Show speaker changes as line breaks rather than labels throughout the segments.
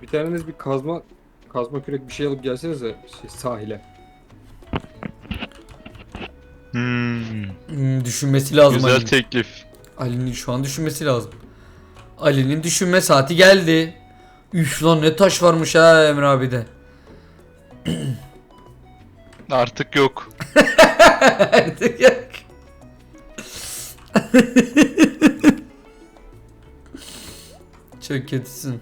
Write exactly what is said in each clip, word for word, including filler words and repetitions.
Bir taneniz bir kazma kazma kürek bir şey alıp gelsenize şey, sahile.
Hmm,
Hmm, düşünmesi lazım
güzel
Ali'nin.
teklif.
Ali'nin şu an düşünmesi lazım. Ali'nin düşünme saati geldi. Üf lan ne taş varmış ha Emre abi de.
Artık yok.
Artık yok. Çok kötüsün.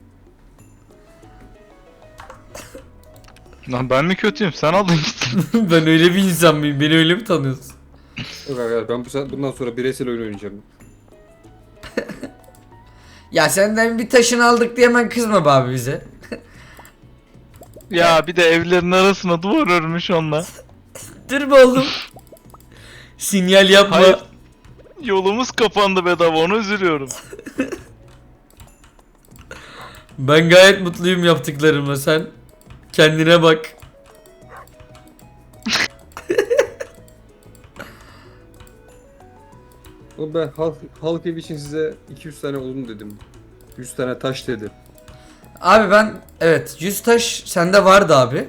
Lan ben mi kötüyüm? Sen aldın gittin.
Ben öyle bir insan mıyım? Beni öyle mi tanıyorsun?
Yok arkadaşlar ben bu sefer bundan sonra bireysel oyun oynayacağım.
Ya senden bir taşını aldık diye hemen kızma be abi bize.
Ya bir de evlerin arasına duvar örmüş onunla.
Dur be oğlum. Sinyal yapma.
Hayır. Yolumuz kapandı bedava, onu üzülüyorum.
Ben gayet mutluyum yaptıklarımla, sen kendine bak.
Oğlum ben halk, halk evi için size iki yüz tane odun dedim. yüz tane taş dedim.
Abi ben evet yüz taş sende vardı abi.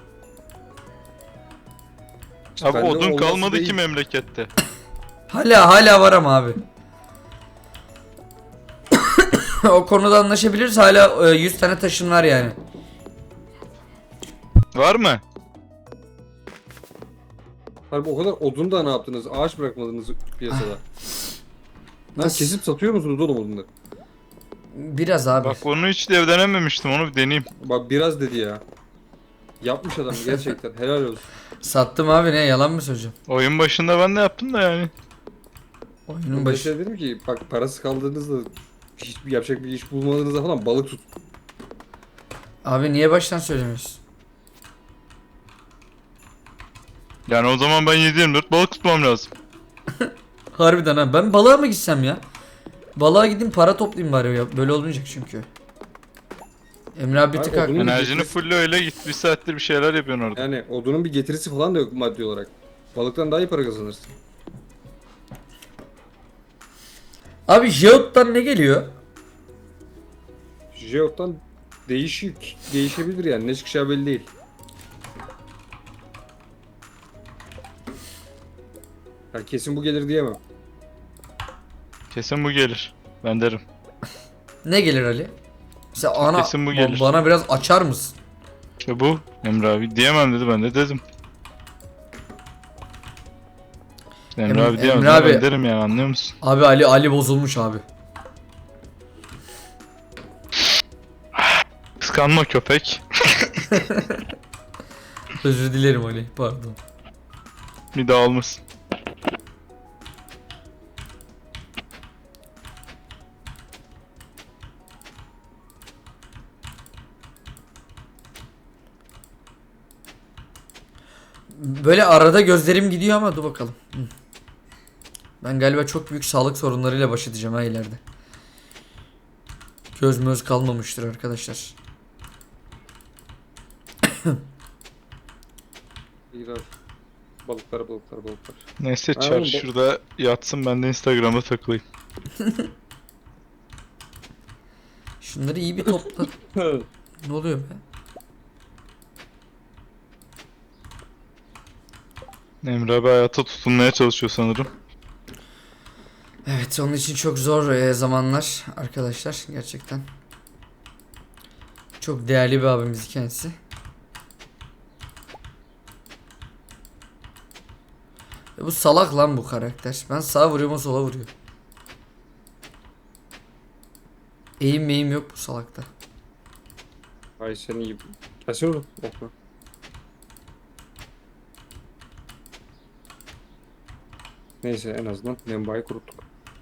İşte
Abi
bende
odun
olması
kalmadı
değil.
ki memlekette.
Hala hala var ama abi. O konuda anlaşabiliriz, hala e, yüz tane taşın var yani.
Var mı?
Harbi o kadar odun da ne yaptınız? Ağaç bırakmadınız piyasada. Lan
Nasıl?
kesip satıyor musunuz oğlum odunları?
Biraz abi.
Bak onu hiç de denememiştim, onu bir deneyeyim.
Bak biraz dedi ya. Yapmış adam gerçekten helal olsun.
Sattım abi, ne yalan mı söyleyeceğim?
Oyun başında ben de yaptım da yani.
Oyunun
Ben
başı.
şey dedim ki bak parası kaldığınızda hiçbir yapacak bir iş bulmadığınızda falan balık tut.
Abi niye baştan söylemiyorsun?
Yani o zaman ben yedi yirmi dört balık tutmam lazım.
Harbiden ha, ben balığa mı gitsem ya? Balığa gideyim para toplayayım bari ya. Böyle olmayacak çünkü. Emre abi bir
Abi
tık haklı.
odunun-
Enerjini fulle öyle git, bir saattir bir şeyler yapıyorsun orada.
Yani odunun bir getirisi falan da yok maddi olarak. Balıktan daha iyi para kazanırsın.
Abi Jeot'tan ne geliyor?
Jeot'tan değişik değişebilir yani ne çıkacağı belli değil. Ya kesin bu gelir diyemem.
Kesin bu gelir. Ben derim.
Ne gelir Ali? Sen ana
Kesin bu
ba-
gelir.
bana biraz açar mısın?
İşte bu. Emre abi diyemem dedi, ben de dedim. Emre
Em-
abi diyemem
Emre
ben
abi-
derim yani, anlıyor musun?
Abi Ali Ali bozulmuş abi.
Kıskanma köpek.
Özür dilerim Ali, pardon.
Bir daha olmasın.
Böyle arada gözlerim gidiyor ama dur bakalım. Hı. Ben galiba çok büyük sağlık sorunlarıyla baş edeceğim ha ileride. Göz möz kalmamıştır arkadaşlar.
İyi balıklar balıklar balıklar.
Neyse
Ha,
çar
oğlum, bu-
şurada yatsın, ben de Instagram'da takılayım.
Şunları iyi bir topla. Ne oluyor be?
Emre abi hayata tutunmaya çalışıyor sanırım.
Evet, onun için çok zor e, zamanlar arkadaşlar gerçekten. Çok değerli bir abimiz kendisi. E, bu salak lan bu karakter. Ben sağa vuruyorum, o sola vuruyor. Eğim meyim yok bu salakta.
Ay sen iyi. Gelsene oğlum. Okla. Neyse en azından Nembayı kuruttuk.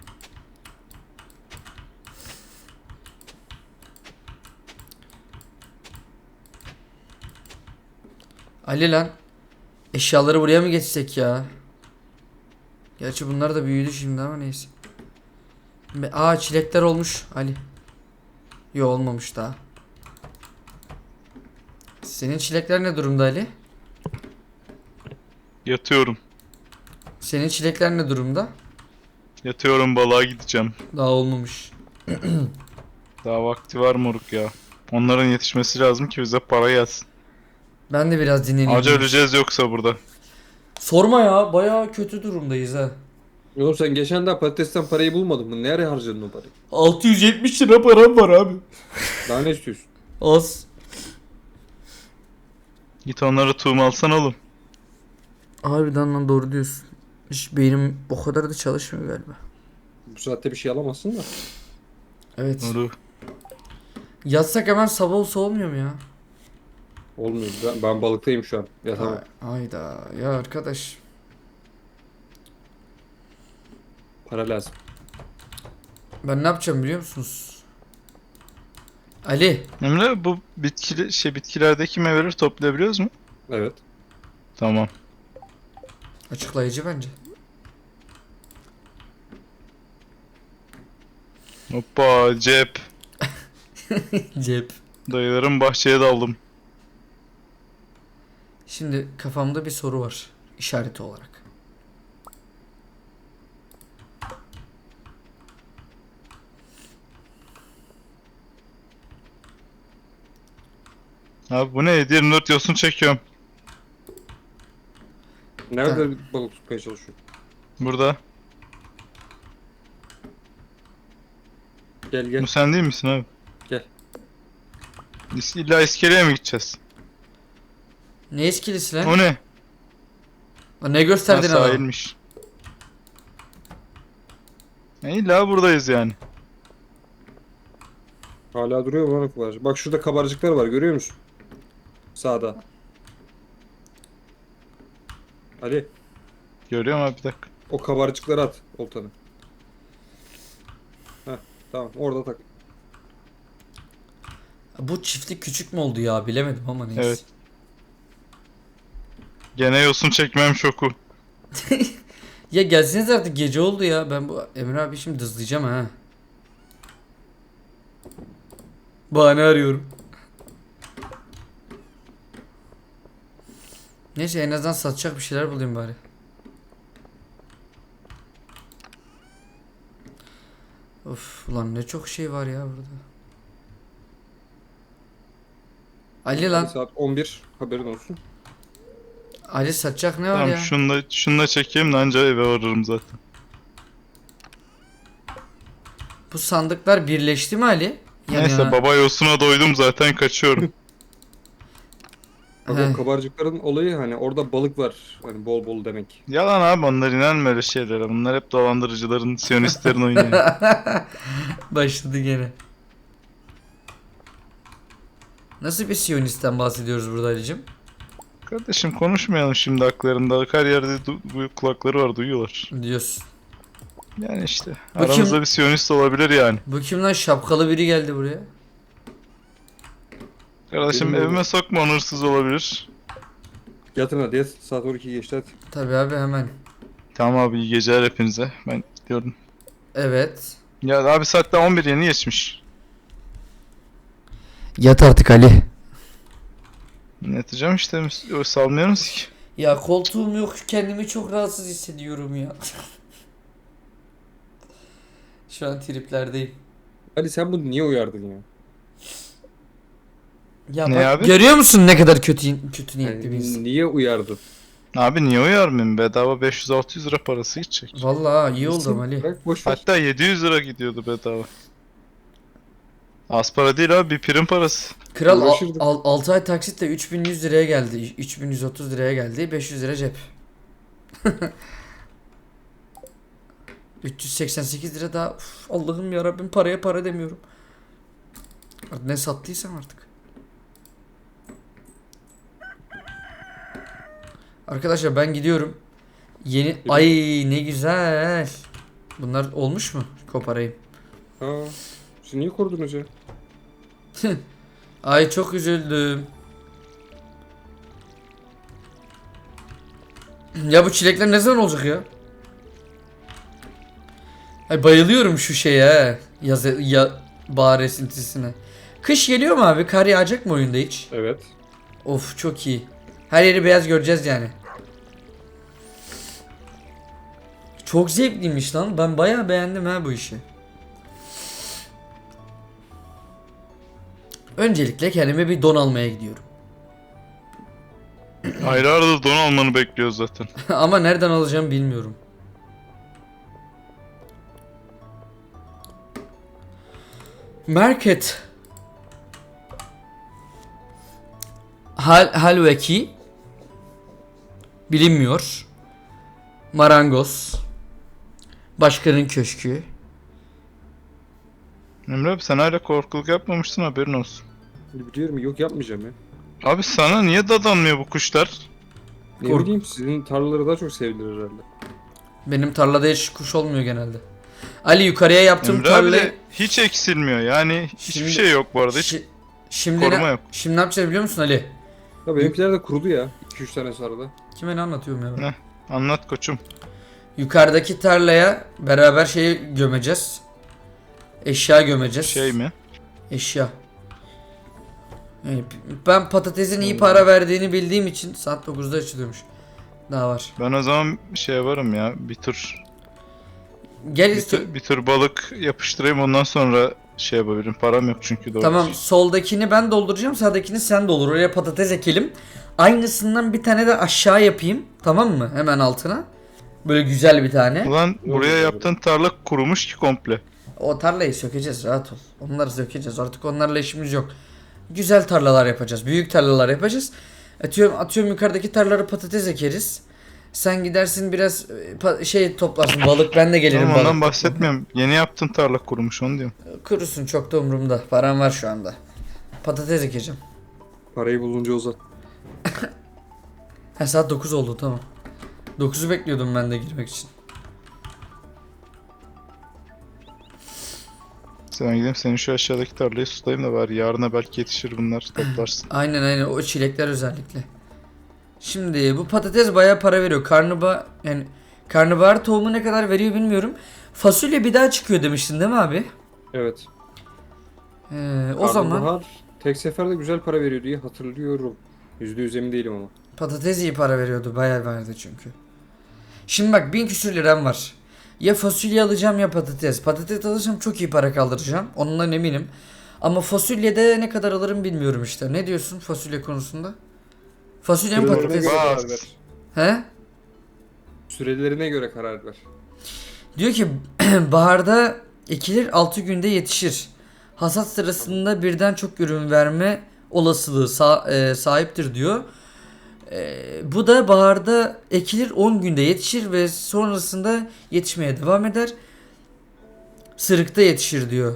Ali lan. Eşyaları buraya mı geçsek ya? Gerçi bunlar da büyüdü şimdi ama neyse. Be- Aa, çilekler olmuş Ali. Yo, olmamış daha. Senin çilekler ne durumda Ali?
Yatıyorum.
Senin çilekler ne durumda?
Yatıyorum, balığa gideceğim.
Daha olmamış.
Daha vakti var moruk ya. Onların yetişmesi lazım ki bize para gelsin.
Ben de biraz dinleneyim.
Acı öleceğiz yoksa burada.
Sorma ya, bayağı kötü durumdayız ha.
Oğlum sen geçen daha patatesten parayı bulmadın mı? Nereye harcadın o parayı?
altı yüz yetmiş lira param var abi.
Daha ne istiyorsun?
Az.
Git onları tuğum alsan oğlum.
Harbiden lan, doğru diyorsun. Hiç beynim o kadar da çalışmıyor galiba.
Bu saatte bir şey alamazsın da.
Evet.
Doğru.
Yatsak hemen sabah olsa olmuyor mu ya?
Olmuyor. Ben, ben balıktayım şu an. Ya tamam.
Ay- Hayda ya arkadaş.
Para lazım.
Ben ne yapacağım biliyor musunuz? Ali.
Emre bu bitkili şey bitkilerdeki meyveleri toplayabiliyoruz mu?
Evet.
Tamam.
Açıklayıcı bence.
Hoppa cep.
Cep.
Dayılarım bahçeye daldım.
Şimdi kafamda bir soru var. İşareti olarak.
Abi bu ne? yedi yirmi dört yosun çekiyorum.
Nerede balık tutmaya çalışıyorsun?
Burada.
Gel gel.
Bu sen değil misin abi?
Gel.
İs- İlla iskeleye mi gideceğiz?
Ne eskilisi lan?
O ne?
Lan ne
Ha,
gösterdin adam?
sahilmiş. Ya illa buradayız yani.
Hala duruyor mu lan o kabarcık? Bak şurada kabarcıklar var, görüyor musun? Sağda. Ali,
Görüyorum abi bir dakika.
o kabarcıkları at oltanı. Heh, tamam orada tak.
Bu çiftlik küçük mü oldu ya, bilemedim ama neyse.
Evet. Gene yosun çekmem şoku.
Ya gelseniz artık, gece oldu ya. Ben bu Emre abi şimdi dızlayacağım ha. Bahane arıyorum. Neyse, en azından satacak bir şeyler bulayım bari. Of ulan, ne çok şey var ya burada. Ali lan.
Saat on bir, haberin olsun.
Ali, satacak ne var
Tamam
ya?
şunu da, şunu da çekeyim de anca eve varırım zaten.
Bu sandıklar birleşti mi Ali? Yan
Neyse
yana.
baba yosuna doydum zaten kaçıyorum.
Bak
Heh.
o kabarcıkların olayı hani orada balık var. Hani bol bol demek.
Yalan abi onlar inanma öyle şeylere. Bunlar hep dolandırıcıların, siyonistlerin oyunu yani.
Başladı gene. Nasıl bir Siyonist'ten bahsediyoruz burada Ali'cim?
Kardeşim konuşmayalım şimdi haklarında. Her yerde du- bu kulakları var duyuyorlar.
Diyorsun.
Yani işte
Bu
aramızda
kim?
bir siyonist olabilir yani.
Bu kim lan, şapkalı biri geldi buraya.
Kardeşim
Benim
evime
oğlum.
sokma on hırsız olabilir.
Yatın hadi yat. Saat on iki geçti hadi.
Tabii abi, hemen.
Tamam abi iyi geceler hepinize. Ben gidiyorum.
Evet.
Ya abi saat daha on bir yeni geçmiş.
Yat artık Ali.
Yatacağım işte o salmıyoruz ki.
Ya koltuğum yok, kendimi çok rahatsız hissediyorum ya. Şu an triplerdeyim.
Ali sen bunu niye uyardın ya?
Ya
Ne
bak,
abi?
görüyor musun ne kadar kötü kötü niyetli bir insan.
Yani niye uyardın?
Abi niye uyarmayayım? Bedava beş yüz altı yüz lira parası gidecek.
Vallahi iyi oldu
Gitsin,
Ali.
Bırak boş ver.
Hatta yedi yüz lira gidiyordu bedava. Az para değil abi bir prim parası.
Kral al,
Uğraşırdık.
al, altı ay taksitle üç bin yüz liraya geldi. üç bin yüz otuz liraya geldi. beş yüz lira cep. üç yüz seksen sekiz lira daha. Uf, Allah'ım ya Rabbim, paraya para demiyorum. Artık ne sattıysam artık. Arkadaşlar ben gidiyorum. Yeni ay ne güzel. Bunlar olmuş mu? Koparayım.
Ha, siz niye korudunuz ya?
Ay çok üzüldüm. Ya bu çilekler ne zaman olacak ya? Ay bayılıyorum şu şeye. Yaz ya bahar esintisine. Kış geliyor mu abi? Kar yağacak mı oyunda hiç?
Evet.
Of çok iyi. Her yeri beyaz göreceğiz yani. Çok zevkliymiş lan. Ben bayağı beğendim ha bu işi. Öncelikle kendime bir don almaya gidiyorum.
Aylardır don almanı bekliyoruz zaten.
Ama nereden alacağımı bilmiyorum. Market. Hal halveki bilinmiyor. Marangoz. Başkanın köşkü.
Emre abi sen hala korkuluk yapmamışsın, haberin olsun.
Biliyorum, yok yapmayacağım ya.
Abi sana niye dadanmıyor bu kuşlar?
Ne
Kork-
bileyim, sizin tarlaları daha çok sevdiler herhalde.
Benim tarlada hiç kuş olmuyor genelde. Ali yukarıya yaptığım
Emre abi
tarlayı...
de hiç eksilmiyor yani, hiçbir
Şimdi-
şey yok bu arada, hiç
Şi- şimdi
koruma
ne,
yok.
Şimdi ne yapacağız biliyor musun Ali?
Ya benimkiler de kurudu ya. iki üç tane sarıda.
Kime ne anlatıyorum ya ben?
Ne? Anlat koçum.
Yukarıdaki tarlaya beraber şeyi gömeceğiz. Eşya gömeceğiz.
Şey mi?
Eşya. Yani ben patatesin iyi para verdiğini bildiğim için saat dokuzda açılıyormuş. Daha var.
Ben o zaman şey varım ya, bir tur
Gel
bir
iste-
tur, bir tur balık yapıştırayım, ondan sonra şey yapabilirim. Param yok çünkü doğru.
Tamam, soldakini ben dolduracağım, sağdakini sen doldur. Oraya patates ekelim. Aynısından bir tane de aşağı yapayım. Tamam mı? Hemen altına. Böyle güzel bir tane.
Ulan buraya
Yok,
yaptığın tarla kurumuş ki komple.
O tarlayı sökeceğiz, rahat ol. Onları sökeceğiz. Artık onlarla işimiz yok. Güzel tarlalar yapacağız. Büyük tarlalar yapacağız. Atıyorum, atıyorum yukarıdaki tarlalara patates ekeriz. Sen gidersin biraz e, pa- şey toplarsın. Balık, ben de gelirim
Tamam,
balık.
ondan bahsetmiyorum. Yeni yaptığın tarla kurumuş, onu diyorum.
Kurusun, çok da umurumda. Param var şu anda. Patates ekeceğim.
Parayı bulunca uzat.
Ha, saat dokuz oldu, tamam. dokuzu bekliyordum ben de girmek için.
Sen gideyim senin şu aşağıdaki tarlayı sulayayım da bari yarına belki yetişir, bunlar toplarsın.
Aynen aynen, o çilekler özellikle. Şimdi bu patates bayağı para veriyor. Karnabahar yani karnabahar tohumu ne kadar veriyor bilmiyorum. Fasulye bir daha çıkıyor demiştin değil mi abi?
Evet.
Ee, o zaman
Karnabahar tek seferde güzel para veriyor diye hatırlıyorum. Yüzde yüz emin değilim ama.
patates iyi para veriyordu. Bayağı verdi çünkü. Şimdi bak, bin küsür liram var. Ya fasulye alacağım ya patates. Patates alırsam çok iyi para kaldıracağım. Ondan eminim. Ama fasulyede ne kadar alırım bilmiyorum işte. Ne diyorsun fasulye konusunda? Fasulye mi
Sürelerine
patates?
göre
Var.
karar ver.
He?
Sürelerine göre karar ver.
Diyor ki baharda ekilir, altı günde yetişir. Hasat sırasında birden çok ürün verme olasılığı sa- e, sahiptir diyor. E, bu da baharda ekilir, on günde yetişir ve sonrasında yetişmeye devam eder. Sırıkta yetişir diyor.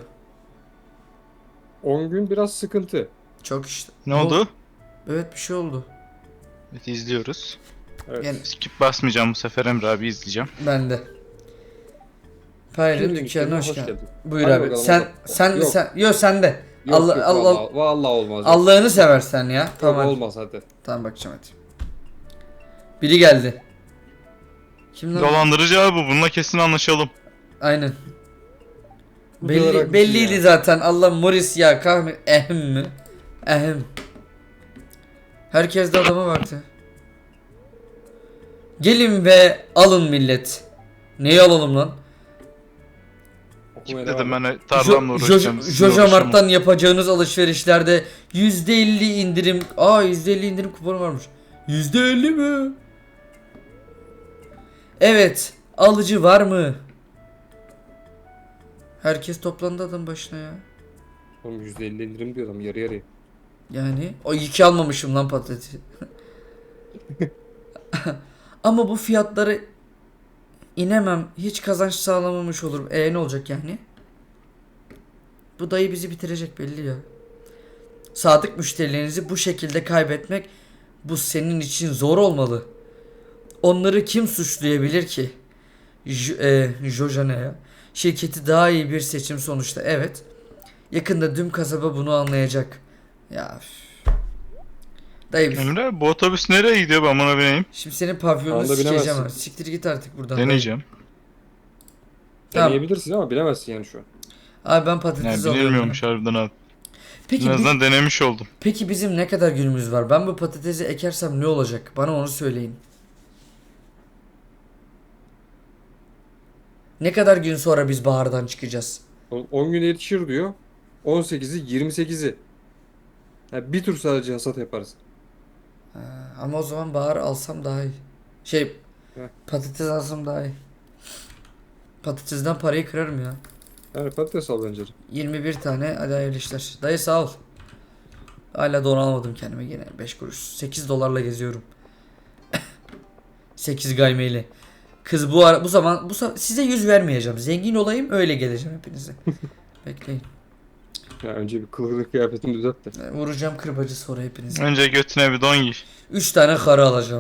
on gün biraz sıkıntı.
Çok işte.
Ne oldu?
Evet, bir şey oldu.
Evet, izliyoruz.
Evet.
Yani
Skip basmayacağım bu sefer, Emre abi izleyeceğim.
ben de. Payri
Şimdi
dükkanına
dükkanına
hoş
hoş
geldin.
geldin.
Buyur
Hadi
abi.
bakalım,
Sen
hadi.
sen
Yok.
sen yok sende.
Yok
Allah
yok
Allah
vallahi, vallahi olmaz. ya.
Allah'ını seversen ya.
Yok,
Tamam. hadi.
olmaz hadi.
Tamam, bakacağım hadi. Biri geldi. Kim lan?
Dolandırıcı abi bu, bununla kesin anlaşalım.
Aynen.
Bu kadar
Belli,
haklısın
belliydi
ya.
zaten. Allah Morris ya, kahve ehem mi? Ehem. Herkes de adama baktı. Gelin ve alın millet. Neyi alalım lan?
Okumaya
Dedim
devam et.
ben tarlamla
Jo-
uğraşacağım.
Jo-
sizinle
Jojo
uğraşamam.
Mart'tan yapacağınız alışverişlerde yüzde elli indirim. Aa, yüzde elli indirim kuponu varmış. yüzde elli mi? Evet. Alıcı var mı? Herkes toplandı adam başına ya.
Oğlum yüzde elli indirim diyor adam, yarı yarıya.
Yani o iki almamışım lan patatesi. Ama bu fiyatları inemem. Hiç kazanç sağlamamış olurum. E ne olacak yani? Bu dayı bizi bitirecek belli ya. Sadık müşterilerinizi bu şekilde kaybetmek, bu senin için zor olmalı. Onları kim suçlayabilir ki? J e, Joja ne ya? Şirketi daha iyi bir seçim sonuçta, evet. Yakında tüm kasaba bunu anlayacak. Ya üf. Dayı bir-
Emre abi bu otobüs nereye gidiyor, ben buna bineyim?
şimdi senin pavyonunu
Anda
sikeceğim
bilemezsin.
ha. Siktir git artık buradan.
Deneyeceğim.
Tamam.
Deneyebilirsin ama bilemezsin yani şu an.
Abi ben patates
Yani
alıyorum.
bilinmiyormuş harbiden abi.
Peki,
En
bi-
azından denemiş oldum.
peki bizim ne kadar günümüz var? Ben bu patatesi ekersem ne olacak? Bana onu söyleyin. Ne kadar gün sonra biz bahardan çıkacağız?
on günde yetişir diyor. on sekizi, yirmi sekizi. Ha, bir tur sadece hasat yaparız.
Ha, ama o zaman bahar alsam daha iyi. Şey,
Heh.
patates alsam daha iyi. Patatesden parayı kırarım ya.
Yani patates al bence de.
yirmi bir tane, hadi hayırlı işler. Dayı sağ ol. Hala don almadım kendime yine beş kuruş. sekiz dolarla geziyorum. sekiz gaymeyle. Kız bu ara bu zaman bu sa- size yüz vermeyeceğim. Zengin olayım öyle geleceğim hepinize. Bekleyin.
Ya önce bir kılıklı kıyafetini düzelt de.
E, Vuracağım kırbacı sonra hepinize.
Önce götüne bir don giy.
üç tane karı alacağım.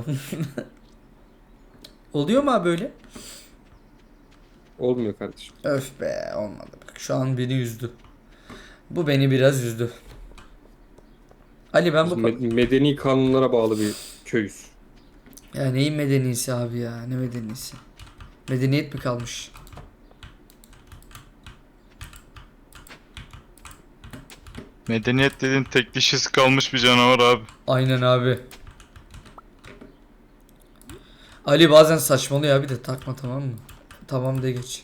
Oluyor mu abi böyle?
Olmuyor kardeşim.
Öf be, olmadı. Bak şu an beni üzdü. Bu beni biraz üzdü. Ali ben
Biz
bu...
me- medeni kanunlara bağlı bir köyüz.
Ya neyin medeniyesi abi ya? Ne medeniyesi? Medeniyet mi kalmış?
Medeniyet dediğin tek dişisi kalmış bir canavar abi.
Aynen abi. Ali bazen saçmalıyor abi de takma, tamam mı? Tamam de geç.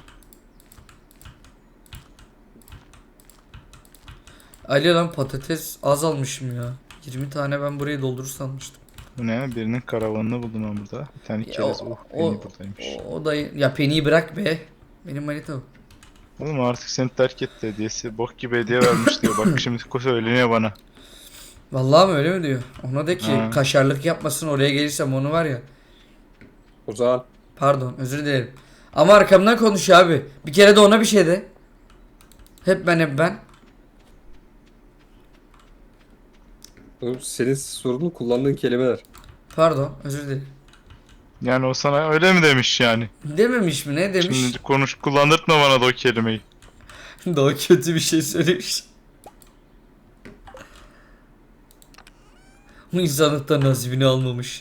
Ali lan patates az almışım ya. yirmi tane ben burayı doldurur sanmıştım.
Bu ne? Birinin karavanını buldum ben burada. Bir tane
Ya
kerez.
o,
Oh,
o,
beni buradaymış.
o, o da ya Penny'yi bırak be. Benim manita o.
Oğlum artık seni terk etti hediyesi. Bok gibi hediye vermiş diyor. Bak şimdi söyleniyor bana.
Vallahi mi, öyle mi diyor? Ona de ki
Ha.
kaşarlık yapmasın, oraya gelirsem onu var ya.
O zaman
Pardon, özür dilerim. Ama arkamdan konuşuyor abi. Bir kere de ona bir şey de. Hep ben hep ben.
oğlum senin sorunun kullandığın kelimeler.
Pardon, özür dilerim.
Yani o sana öyle mi demiş yani?
Dememiş mi, ne demiş?
Şimdi konuş kullandırtma bana da o kelimeyi.
Daha kötü bir şey söylemiş. Bu insanlıktan nasibini almamış.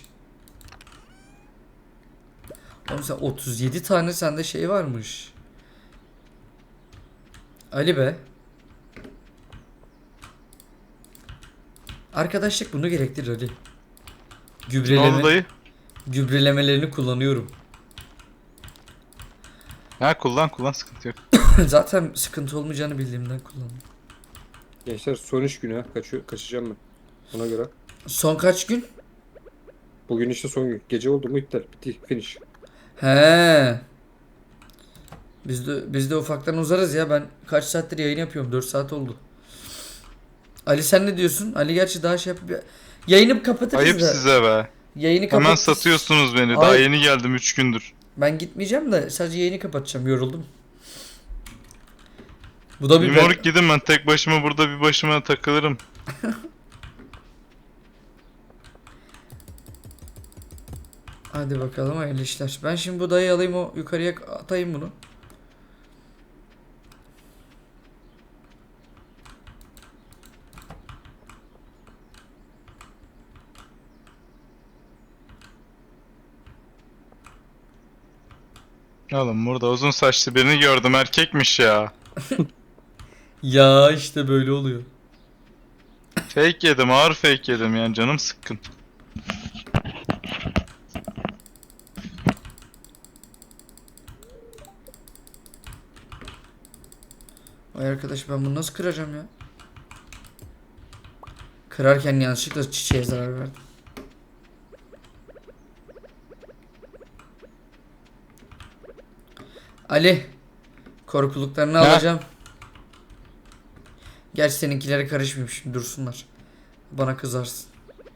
Oğlum sen otuz yedi tane sende şey varmış. Ali be. Arkadaşlık bunu gerektirir Ali.
Ne oldu
Gübreleme,
dayı?
gübrelemelerini kullanıyorum.
Ha kullan kullan sıkıntı yok.
Zaten sıkıntı olmayacağını bildiğimden kullanıyorum.
Gençler son iş günü ha. Kaçıyor, kaçacağım ben. Ona göre.
Son kaç gün?
Bugün işte son gün. Gece oldu mu iptal. Bitti. Finish.
He. Biz de biz de ufaktan uzarız ya. Ben kaç saattir yayın yapıyorum? dört saat oldu. Ali sen ne diyorsun? Ali gerçi daha şey yapıp yayını kapatırız
Ayıp
da.
size be.
Yayını
Hemen
kapatırız.
satıyorsunuz beni. Daha
Ay-
yeni geldim üç gündür.
Ben gitmeyeceğim de sadece yayını kapatacağım. Yoruldum. Bu da bir
Bir moruk gidin, ben tek başıma burada bir başıma takılırım.
Hadi bakalım, hayırlı işler. Ben şimdi bu dayı alayım, o yukarıya atayım bunu.
Oğlum burada uzun saçlı birini gördüm, erkekmiş ya.
Ya işte böyle oluyor.
Fake yedim, ağır fake yedim yani, canım sıkkın.
Vay arkadaş, ben bunu nasıl kıracağım ya? Kırarken yanlışlıkla çiçeğe zarar verdim. Ali, korkuluklarını
Ha?
alacağım. Gerçi seninkilere karışmayayım şimdi, dursunlar. Bana kızarsın.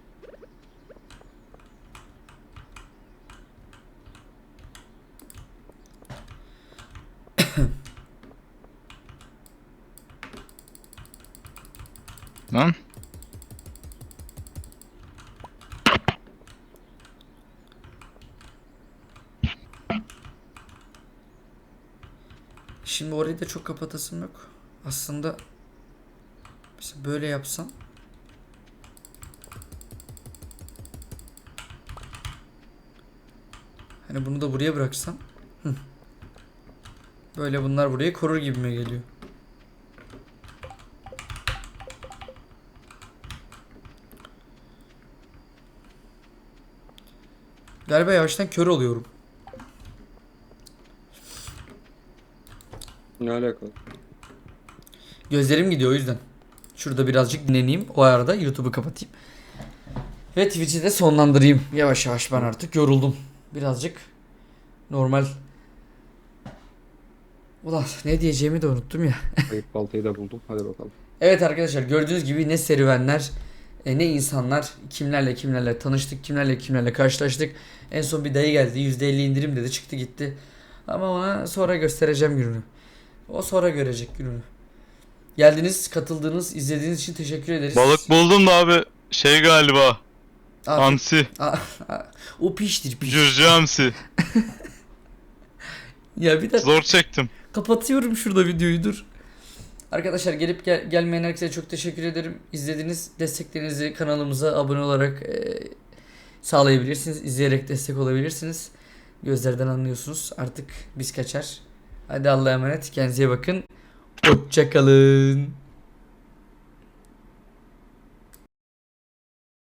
Lan.
Şimdi orayı da çok kapatasım yok. Aslında mesela böyle yapsam. Hani bunu da buraya bıraksam. Hı. Böyle bunlar burayı korur gibime geliyor. Galiba yavaştan kör oluyorum.
Ne alakalı?
Gözlerim gidiyor o yüzden. Şurada birazcık dinleneyim. O arada YouTube'u kapatayım. Ve Twitch'i de sonlandırayım. Yavaş yavaş ben artık yoruldum. Birazcık normal. Ulan ne diyeceğimi de unuttum ya.
Kayıp baltayı da buldum. Hadi bakalım.
Evet arkadaşlar gördüğünüz gibi ne serüvenler, e, ne insanlar, kimlerle kimlerle tanıştık, kimlerle kimlerle karşılaştık. En son bir dayı geldi, yüzde elli indirim dedi, çıktı gitti. Ama ona sonra göstereceğim gününü. O sonra görecek gününü. Geldiniz, katıldığınız, izlediğiniz için teşekkür ederiz.
Balık buldum da abi şey galiba.
Abi,
Hamsi.
a- a- o piştir piş.
Cürcü hamsi.
Ya bir de
Zor çektim.
kapatıyorum şurada videoyu, dur. Arkadaşlar gelip gel- gelmeyen herkese çok teşekkür ederim. İzlediğiniz desteklerinizi kanalımıza abone olarak e, sağlayabilirsiniz. İzleyerek destek olabilirsiniz. Gözlerden anlıyorsunuz. Artık biz kaçar. Hadi Allah'a emanet. Kendinize iyi bakın. Hoşçakalın.